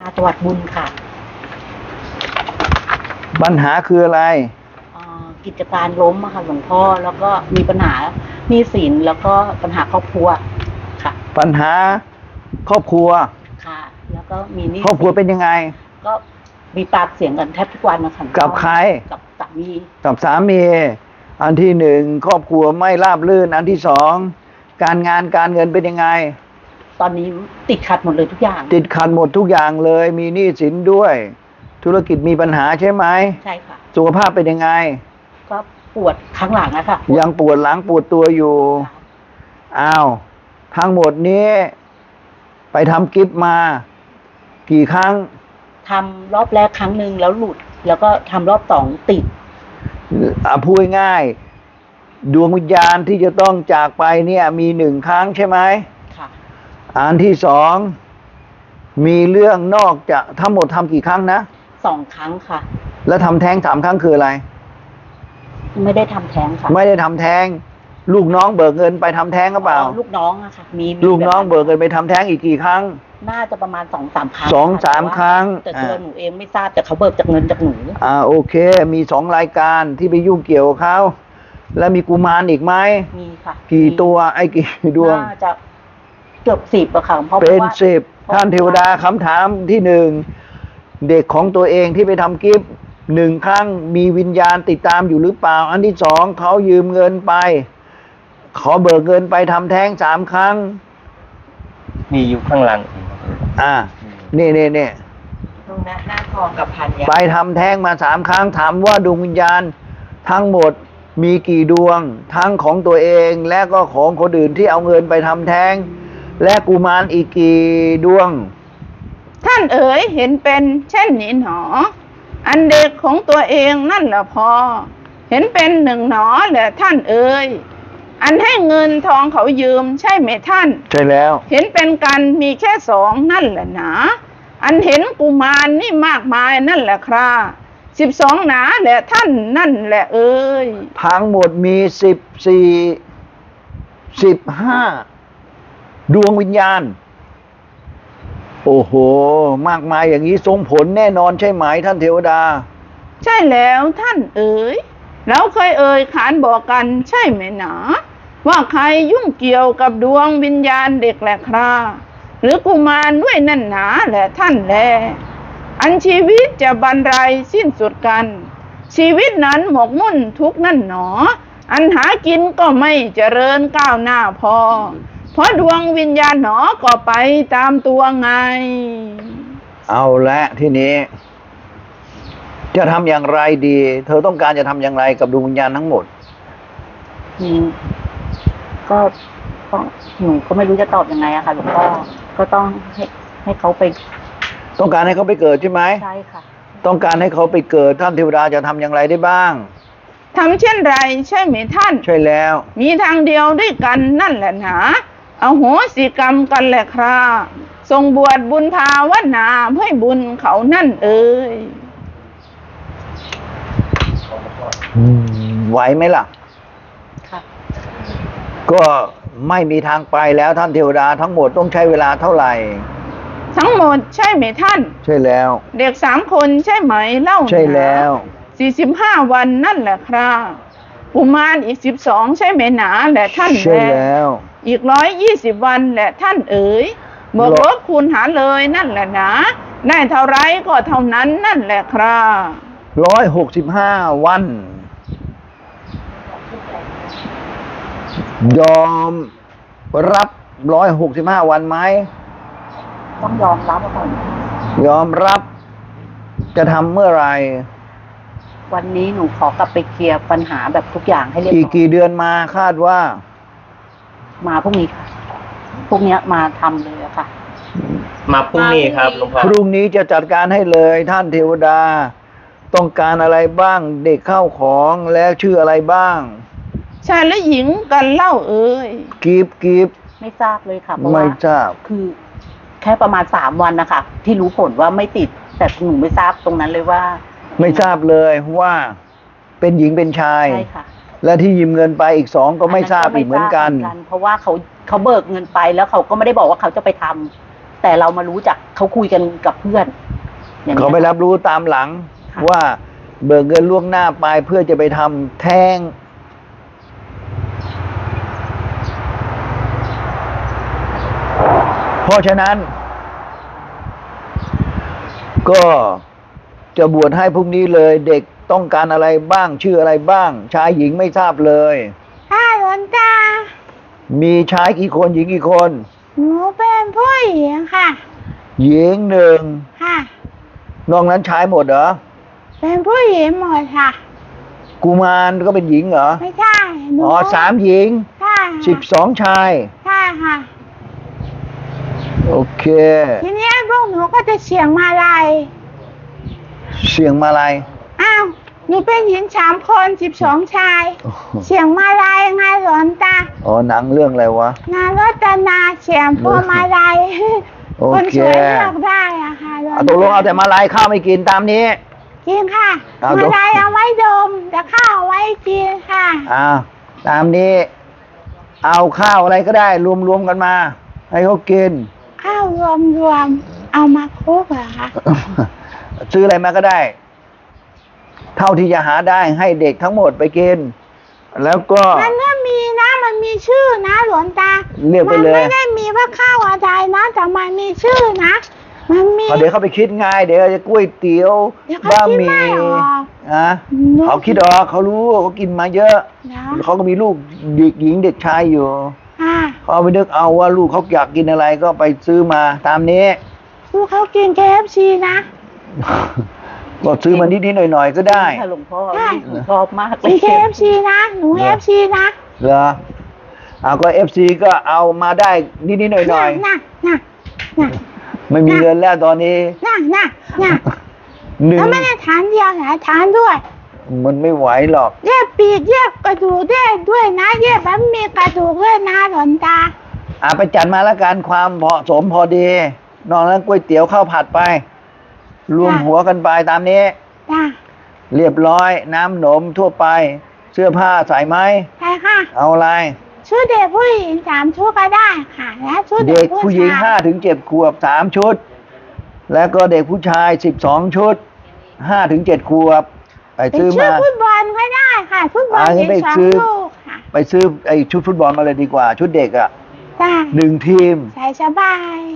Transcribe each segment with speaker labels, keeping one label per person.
Speaker 1: จังหวัดบุญค่ะ
Speaker 2: ปัญหาคืออะไร
Speaker 1: กิจการล้มอะค่ะหลวงพ่อแล้วก็มีปัญหาหนี้สินแล้วก็ปัญหาครอบครัวค่ะ
Speaker 2: ปัญหาครอบครัว
Speaker 1: ค่ะแล้วก็มีหนี้
Speaker 2: ครอบครัวเป็นยังไง
Speaker 1: ก็มีปากเสียงกันแทบทุกวันนะคะ
Speaker 2: กับใคร
Speaker 1: กับสามี
Speaker 2: อันที่หนึ่งครอบครัวไม่ราบรื่นอันที่สองการงานการเงินเป็นยังไง
Speaker 1: ตอนนี้ติดขัดหมดเลยทุกอย่าง
Speaker 2: ติดขัดหมดทุกอย่างเลยมีหนี้สินด้วยธุรกิจมีปัญหาใช่ไหม
Speaker 1: ใช่ค่ะ
Speaker 2: สุขภาพเป็นยังไง
Speaker 1: ก็ปวดข้างหลังนะคะ
Speaker 2: ยังปวดหลังปวดตัวอยู่อ้าวทั้งหมดนี้ไปทำกิฟต์มากี่ครั้ง
Speaker 1: ทำรอบแรกครั้งหนึ่งแล้วหลุดแล้วก็ทำรอบสองติด
Speaker 2: พูดง่ายดวงวิญญาณที่จะต้องจากไปเนี่ยมีหนึ่งครั้งใช่ไหม
Speaker 1: ค่ะ
Speaker 2: อันที่สองมีเรื่องนอกจากทั้งหมดทำกี่ครั้งนะ
Speaker 1: 2 ครั้งค่ะ
Speaker 2: แล้วทำแท้ง3 ครั้งคืออะไร
Speaker 1: ไม่ได้ทำแท้งค่ะ
Speaker 2: ไม่ได้ทำแท้งลูกน้องเบิกเงินไปทำแท้งหรือเปล่า
Speaker 1: ลูกน้องอะค่ะมี
Speaker 2: ลูกน้องเบิกเงินไปทำแท้งอีกกี่ครั้ง
Speaker 1: น่าจะประมาณ2-3 ครั้ง
Speaker 2: 2-3 ครั้ง
Speaker 1: แต่ตัวหนูเองไม่ทราบแต่เขาเบิกจากเงินจากหนู
Speaker 2: โอเคมี2 รายการที่ไปยุ่งเกี่ยวกับเขาแล้วมีกุมารอีกไหม
Speaker 1: มีค่ะ
Speaker 2: กี่ตัวไอ้กี่ดวง
Speaker 1: น่าจะเกือบ10อะค่ะเพราะ
Speaker 2: เป็น10ท่านเทวดาคำถามที่1เด็กของตัวเองที่ไปทำกิฟต์1 ครั้งมีวิญญาณติดตามอยู่หรือเปล่าอันที่2เขายืมเงินไปขอเบิกเงินไปทำแท้ง3 ครั้ง
Speaker 3: มีอยู่ข้างหลัง
Speaker 2: นี่
Speaker 1: ตรงหน้าทองกับพันยา
Speaker 2: ไปทำแท้งมา3 ครั้งถามว่าดวงวิญญาณทั้งหมดมีกี่ดวงทั้งของตัวเองและก็ของคนอื่นที่เอาเงินไปทำแท้งและกุมารอีกกี่ดวง
Speaker 4: ท่านเอ๋ยเห็นเป็นเช่นนี้หนออันเด็กของตัวเองนั่นแหละพอเห็นเป็น1 หนอแหละท่านเอ๋ยอันให้เงินทองเขายืมใช่ไหมท่าน
Speaker 2: ใช่แล้ว
Speaker 4: เห็นเป็นกันมีแค่2นั่นแหละหนาอันเห็นกุมารนี่มากมายนั่นแหละครับ12หนาแหละท่านนั่นแหละเอ๋ย
Speaker 2: ทั้งหมดมี15ดวงวิญญาณโอ้โหมากมายอย่างนี้ทรงผลแน่นอนใช่ไหมท่านเทวดา
Speaker 4: ใช่แล้วท่านเอ๋ยแล้วเคยขานบอกกันใช่ไหมหนาว่าใครยุ่งเกี่ยวกับดวงวิญญาณเด็กแหละครับหรือกุมารด้วยนั่นหนาแหละท่านแลอันชีวิตจะบรรลัยสิ้นสุดกันชีวิตนั้นหมกมุ่นทุกนั่นหนออันหากินก็ไม่เจริญก้าวหน้าพอเพราะดวงวิญญาณหนอก็ไปตามตัวไง
Speaker 2: เอาละทีนี้จะทำอย่างไรดีเธอต้องการจะทำอย่างไรกับดวงวิญญาณทั้งหมด
Speaker 1: ก็ต้องหนูก็ไม่รู้จะตอบยังไงอะค่ะหลวงพ่อก็ต้องให้เขาไป
Speaker 2: ต้องการให้เขาไปเกิดใช่ไหม
Speaker 1: ใช่ค่ะ
Speaker 2: ต้องการให้เขาไปเกิดท่านเทวดาจะทำอย่างไรได้บ้าง
Speaker 4: ทำเช่นไรใช่ไหมท่าน
Speaker 2: ใช่แล้ว
Speaker 4: มีทางเดียวด้วยกันนั่นแหละหนาอโหสิกรรมกันแหละครับทรงบวชบุญภาวนาให้บุญเขานั่นเอ่ย
Speaker 2: ไหวไหมล่ะ
Speaker 1: ค่ะ
Speaker 2: ก็ไม่มีทางไปแล้วท่านเทวดาทั้งหมดต้องใช้เวลาเท่าไหร่
Speaker 4: ทั้งหมดใช่ไหมท่าน
Speaker 2: ใช่แล้ว
Speaker 4: เด็ก3 คนใช่ไหมเล่า
Speaker 2: ใช่แล้ว
Speaker 4: 45 วันนั่นแหละครับกุมารอีก12ใช่ไหมหนาแหละท่าน
Speaker 2: ใช่แล้ว
Speaker 4: อีก120 วันแหละท่านเอ๋ยบวกลบคูณหารเลยนั่นแหละนะได้เท่าไรก็เท่านั้นนั่นแหละครับ
Speaker 2: 165 วันยอมรับ165 วันไหม
Speaker 1: ต้องยอมรับก่อน
Speaker 2: ยอมรับจะทำเมื่อไหร่
Speaker 1: วันนี้หนูขอกลับไปเคลียร์ปัญหาแบบทุกอย่างให้เรียบร้อย
Speaker 2: กี่เดือนมาคาดว่า
Speaker 1: มาพรุ่งนี้ค่ะพรุ่งนี้มาทำเลยค่ะ
Speaker 3: มาพรุ่งนี้ครับหลวงพ่อ
Speaker 2: พรุ่งนี้จะจัดการให้เลยท่านเทวดาต้องการอะไรบ้างเด็กเข้าของแล้วชื่ออะไรบ้าง
Speaker 4: ชายและหญิงกันเล่าเอ่ย
Speaker 2: กีบ
Speaker 1: ไม่ทราบเลยค่ะเพราะ
Speaker 2: ว่าไม่ทราบ
Speaker 1: คือแค่ประมาณ3 วันนะคะที่รู้ผลว่าไม่ติดแต่หนูไม่ทราบตรงนั้นเลยว่า
Speaker 2: ไม่ทราบเลยว่าเป็นหญิงเป็นชาย
Speaker 1: ใช่ค่ะ
Speaker 2: และที่ยืมเงินไปอีก2ก็ไม่ทราบอีกเหมือนกัน
Speaker 1: เพราะว่าเขาเบิกเงินไปแล้วเขาก็ไม่ได้บอกว่าเขาจะไปทำแต่เรามารู้จักเขาคุยกันกับเพื่อนอย่างนี้ย
Speaker 2: เขาไปรับรู้ตามหลัง
Speaker 1: ค่ะ
Speaker 2: ว่าเบิกเงินล่วงหน้าไปเพื่อจะไปทำแท้ง เพราะฉะนั้น ก็จะบวชให้พรุ่งนี้เลย เด็กต้องการอะไรบ้าง ชื่ออะไรบ้าง ชายหญิงไม่ทราบเลย
Speaker 4: ค่ะหลวงตา
Speaker 2: มีชายกี่คนหญิงกี่คน
Speaker 4: หนูเป็นผู้หญิงค่ะ
Speaker 2: หญิงหนึ่ง
Speaker 4: ค่ะ
Speaker 2: นอกนั้นชายหมดเหรอ
Speaker 4: เป็นผู้หญิงหมดค่ะ
Speaker 2: กุมารก็เป็นหญิงเหรอ
Speaker 4: ไม่ใช่หนู
Speaker 2: อ๋อ3 หญิง
Speaker 4: ค่ะ
Speaker 2: 12 ชาย
Speaker 4: ใช่ค่ะ
Speaker 2: โอเค
Speaker 4: ทีนี้พวกหนูก็จะเสียงมาลัย
Speaker 2: เสียงมาลัย
Speaker 4: อ้าวหนูเป็นหญิง3 คน12 ชาย
Speaker 2: โอ้โห
Speaker 4: เสียงมาลัยไงหลวงตา
Speaker 2: อ๋อหนังเรื่องอะไรวะ
Speaker 4: นารตนาเสียงพวงมาลัย
Speaker 2: โอเค
Speaker 4: คนสวยเลือกได้อะค่ะหลวง
Speaker 2: เอาตกลงเอาแต่มาลัยข้าวไม่กินตามนี้
Speaker 4: กินค่ะ
Speaker 2: เอา
Speaker 4: มาลัยเอาไว้ดมแต่ข้าวเอาไว้กินค่ะ
Speaker 2: อ่าตามนี้ เอาข้าวอะไรก็ได้ รวมๆกันมา ให้เขากิน
Speaker 4: ข้าวรวมเอามาคลุกเหรอคะ
Speaker 2: ซื้ออะไรมาก็ได้ เท่าที่จะหาได้ให้เด็กทั้งหมดไปกิน แล้วก็
Speaker 4: มันก็มีนะมันมีชื่อนะหลวงตา
Speaker 2: เรียกไปเลย
Speaker 4: มันไม่ได้มีว่าข้าวอะไรนะแต่มันมีชื่อนะ มันมี
Speaker 2: เดี๋ยวเขาไปคิดไงเดี๋ยวจะก๋วยเตี๋ยว
Speaker 4: เดี๋ยวเขา
Speaker 2: บะ
Speaker 4: คิด
Speaker 2: หมี่
Speaker 4: ไม่ออก
Speaker 2: นะ
Speaker 4: หนู
Speaker 2: เขาคิดออกเขารู้เขากินมาเยอะ
Speaker 4: นะ
Speaker 2: เขาก็มีลูกเด็กหญิงเด็กชายอยู่
Speaker 4: ค่ะ
Speaker 2: เขาไปนึกเอาว่าลูกเขาอยากกินอะไรก็ไปซื้อมาตามนี้
Speaker 4: ลูกเขากิน KFC นะ
Speaker 2: ก็ซื้อมานิดๆหน่อยๆก็ได้
Speaker 1: ค่ะหลวงพ่อ
Speaker 4: ได้
Speaker 1: หนูชอบมากเล
Speaker 4: กิ
Speaker 1: ย
Speaker 4: น KFC นะหนู KFC นะ
Speaker 2: เหรอเอาก็FC ก็เอามาได้นิดๆหน่อย
Speaker 4: น่ะน่ะน่ะ
Speaker 2: ๆไม่มีเงินแล้วตอนนี้
Speaker 4: น่ะน่ะน่ะ
Speaker 2: หนึ่ง
Speaker 4: แล้วไม่ได้ทานเดียวนะทานด้วย
Speaker 2: มันไม่ไหวหรอก
Speaker 4: แยกปีกแยกกระดูกได้ด้วยนะแยกแบบมีกระดูกด้วยนะหลวงตา
Speaker 2: ไปจัดมาแล้วกันความเหมาะสมพอดี นอกนั้นก๋วยเตี๋ยวข้าวผัดไป รวม
Speaker 4: ค่ะ
Speaker 2: หัวกันไปตามนี้
Speaker 4: จ้า
Speaker 2: เรียบร้อยน้ำหนมทั่วไป เสื้อผ้าใส่ไหม
Speaker 4: ใช่ค่ะ
Speaker 2: เอาอะไร
Speaker 4: ชุดเด็กผู้หญิง3 ชุดก็ได้ค่ะ และชุด
Speaker 2: เด็
Speaker 4: เด็
Speaker 2: ก
Speaker 4: ก
Speaker 2: ผู้หญิง
Speaker 4: ชาย
Speaker 2: 5 ถึง 7 ขวบ3 ชุด แล้วก็เด็กผู้ชาย12 ชุด5 ถึง 7 ขวบไป
Speaker 4: เป็น
Speaker 2: ซื้อ
Speaker 4: ชุด
Speaker 2: มา
Speaker 4: ฟุตบอลก็ได้ค่ะฟุตบอล
Speaker 2: งั้
Speaker 4: มี
Speaker 2: นไป
Speaker 4: สอง
Speaker 2: ซื้อ
Speaker 4: ลูกค่ะ
Speaker 2: ไปซื้อไอ้ชุดฟุตบอลมาเลยดีกว่า ชุดเด็กอ่ะ
Speaker 4: จ้า
Speaker 2: 1 ทีม
Speaker 4: ใส่สบาย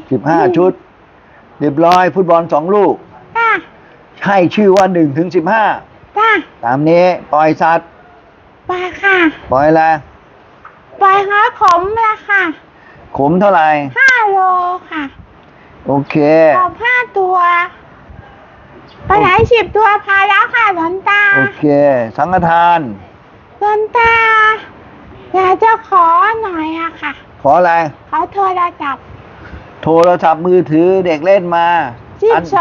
Speaker 2: 15 ชุด เรียบร้อยฟุตบอล2 ลูก
Speaker 4: จ้า
Speaker 2: ให้ชื่อว่า1 ถึง 15
Speaker 4: จ้า
Speaker 2: ตามนี้ปล่อยสัตว์
Speaker 4: ไปค่ะ
Speaker 2: ปล่อยอะไร
Speaker 4: ไปหาขมละค่ะ
Speaker 2: ขมเท่าไหร่
Speaker 4: 5 โลค่ะ
Speaker 2: โอเค
Speaker 4: ขอบ5 ตัวไปไหน10 ตัวพาแล้วค่ะหลวงตา
Speaker 2: โอเค สังฆทาน
Speaker 4: หลวงตาอยากจะขอหน่อยอะค่ะ
Speaker 2: ขออะไร
Speaker 4: ขอโทรศัพท์
Speaker 2: โทรศัพท์มือถือเด็กเล่นมาอัน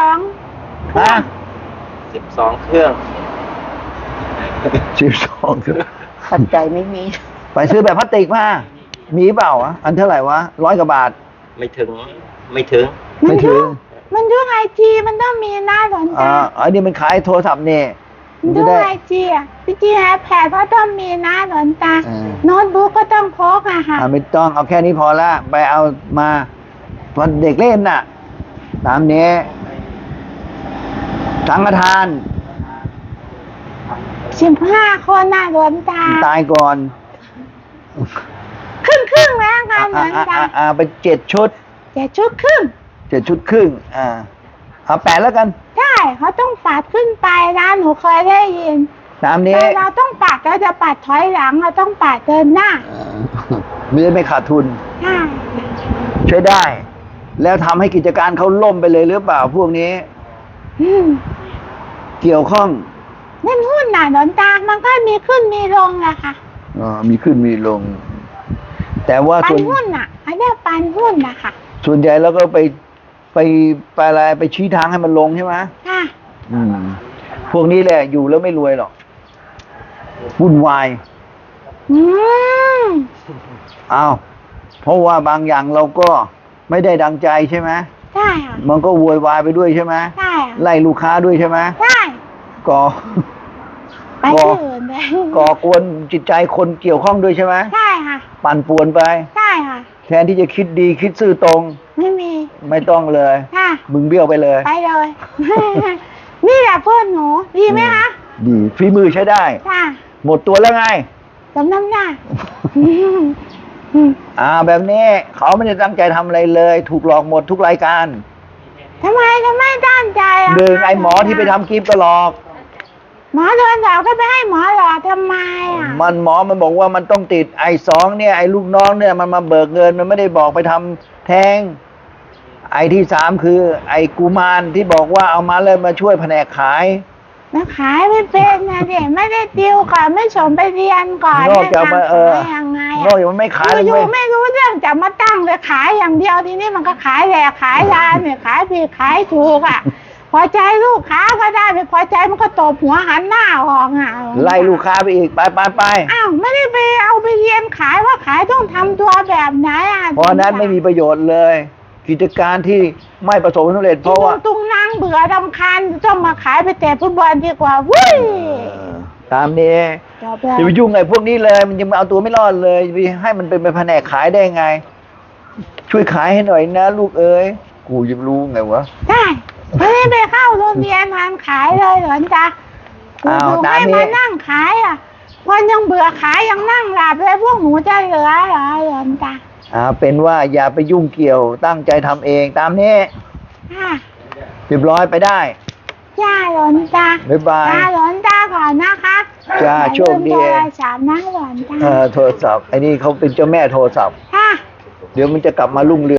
Speaker 4: 12
Speaker 2: ฮะ
Speaker 3: 12 เครื่อง
Speaker 2: 12
Speaker 1: ปัจจัยไม่มี
Speaker 2: ไปซื้อแบบพลาสติกมา มีเปล่าอะอันเท่าไหร่วะ100 กว่าบาท
Speaker 3: ไม่ถึง ไม่ถึง
Speaker 2: ไม่ถึง
Speaker 4: มันดูไอจีมันต้องมีหน้าหลอน
Speaker 2: อ่า
Speaker 4: ตา
Speaker 2: อันนี้มันขายโทรศัพท์เนี่ย
Speaker 4: มัน
Speaker 2: จะ
Speaker 4: ดู
Speaker 2: ได้
Speaker 4: ไอจีอ่ะพี่จีไอแพดก็ต้องมีหน้าหลอนตา
Speaker 2: เออ
Speaker 4: โน้ตบุ๊กก็ต้องพกอะค่ะ
Speaker 2: ไม่ต้องเอาแค่นี้พอละไปเอามาตอนเด็กเล่นน่ะ ตามนี้ สังฆทาน
Speaker 4: 15 คนน่ะหลอนตา
Speaker 2: ตายก่อน
Speaker 4: ครึ่งแล้วค่ะหลอนตา
Speaker 2: ไป7 ชุด
Speaker 4: 7 ชุดครึ่ง
Speaker 2: 7 ชุดครึ่ง เอา8แล้วกัน
Speaker 4: ใช่เขาต้องปัดขึ้นไปนะหนูเคยได้ยิน
Speaker 2: ตามนี้
Speaker 4: แต่เราต้องปัดเราจะปัดถอยหลังเราต้องปัดเดินหน้า
Speaker 2: ไม่ได้ไม่ขาดทุน
Speaker 4: ใช่
Speaker 2: ใช้ได้ แล้วทำให้กิจการเขาล่มไปเลยหรือเปล่าพวกนี้
Speaker 4: อืม
Speaker 2: เกี่ยวข้อง
Speaker 4: เล่นหุ้นน่ะหลอนตา มันก็มีขึ้นมีลงแหละค่ะ
Speaker 2: มีขึ้นมีลง แต่ว่า
Speaker 4: ปั
Speaker 2: ส่
Speaker 4: น
Speaker 2: วน
Speaker 4: หุ้นน่ะเขาเรียกปันหุ้นนะคะ
Speaker 2: ส่วนใหญ่แล้วก็ไปอะไรไปชี้ทางให้มันลงใช่ไหม
Speaker 4: ค่ะ
Speaker 2: พวกนี้แหละอยู่แล้วไม่รวยหรอกวุ่นวาย
Speaker 4: อืม
Speaker 2: อ้าวเพราะว่าบางอย่างเราก็ไม่ได้ดังใจใช่ไหม
Speaker 4: ใช่ค่ะ
Speaker 2: มันก็โวยวายไปด้วยใช่ไหม
Speaker 4: ใช่ค่ะ
Speaker 2: ไล่ลูกค้าด้วยใช่ไหม
Speaker 4: ใช่
Speaker 2: ก่อ
Speaker 4: ไปที่อื่นเลย
Speaker 2: ก่อกวนจิตใจคนเกี่ยวข้องด้วยใช่ไหม
Speaker 4: ใช่ค่ะ
Speaker 2: ปั่นป่วนไป
Speaker 4: ใช่ค่ะ
Speaker 2: แทนที่จะคิดดีคิดซื่อตรง
Speaker 4: ไม่มี
Speaker 2: ไม่ต้องเลย
Speaker 5: ค่ะ
Speaker 2: มึงเบี้ยวไปเลย
Speaker 5: ไปเลย นี่แหละเพื่อนหนูดีไหมคะ
Speaker 2: ดีฝีมือใช้ได้
Speaker 5: ค่ะ
Speaker 2: หมดตัวแล้วไง
Speaker 5: สมน้ำหน้า
Speaker 2: แบบนี้เขาไม่ได้ตั้งใจทำอะไรเลย ถูกหลอกหมดทุกรายการ
Speaker 5: ทำไมตั้งใจอ่ะ
Speaker 2: หนึ่งไอ้หมอที่ไปทำกิฟต์ก็หลอก
Speaker 5: หมอโดนหลอกก็ไปให้หมอหลอกทำไมอ่ะ
Speaker 2: หมอมันบอกว่ามันต้องติดไอ้สองเนี่ยไอ้ลูกน้องเนี่ยมันมาเบิกเงินมันไม่ได้บอกไปทำแท้งไอ้ที่สามคือไอ้กุมารที่บอกว่าเอามาเลยมาช่วยแผนกขาย
Speaker 5: แล้วขายไม่เป็นนะเด็กไม่ได้ติวก่อนไม่ส่งไปเรียนก่อน
Speaker 2: นอกจากมา
Speaker 5: ขายยังไง
Speaker 2: นอกจากมันไม่ขายเลย
Speaker 5: อยู่
Speaker 2: เว้ย
Speaker 5: ๆไม่รู้เรื่องจะมาตั้งเลยขายอย่างเดียวทีนี้มันก็ขายแหลกขายลานเนี่ยขายผิดขายถูกอ่ะ พอใจลูกค้าก็ได้ไม่พอใจมันก็ตบหัวหันหน้าออกอ่ะ
Speaker 2: ไล่ลูกค้าไปอีกไป
Speaker 5: อ้าวไม่ได้ไปเอาไปเรียนขายว่าขายต้องทำตัวแบบไหนอ่ะ
Speaker 2: เพราะนั้นไม่มีประโยชน์เลย กิจการที่ไม่ประสบความสำเร็จเพราะว่า
Speaker 5: ตุงนางเบื่อรำคาญต้องมาขายไปเตะฟุตบอลดีกว่าวุ้ย
Speaker 2: ตามนี้
Speaker 5: จบแล้ว
Speaker 2: อย่าไปยุ่งไอ้พวกนี้เลย มันยังเอาตัวไม่รอดเลยไปให้มันเป็นแผนกขายได้ไง ช่วยขายให้หน่อยนะลูกเอ้ยกูจะรู้ไงวะ
Speaker 5: ได้ไม่ได้ไปเข้าโรงเรียนงานขายเลยเหรอจ๊ะ
Speaker 2: อ้าว
Speaker 5: ถูก
Speaker 2: ตาม
Speaker 5: ให้
Speaker 2: นี้
Speaker 5: มานั่งขายอ่ะคนยังเบื่อขายยังนั่งหลับเลยพวกหนูจะเหลือเหรอจ๊ะ
Speaker 2: เป็นว่าอย่าไปยุ่งเกี่ยวตั้งใจทำเองตามนี้
Speaker 5: ค่ะ
Speaker 2: เรียบร้อยไปได้
Speaker 5: จ้าหลนจ้า
Speaker 2: บ๊ายบาย
Speaker 5: จ้าหลนจ้าก่อนนะคะ
Speaker 2: จ้าโชคดี
Speaker 5: อย่าลืมโทรศัพท์นะหลนจ้า
Speaker 2: โทรศัพท์ไอ้นี่เขาเป็นเจ้าแม่โทรศัพท์
Speaker 5: ค่ะ
Speaker 2: เดี๋ยวมันจะกลับมารุ่งเรือง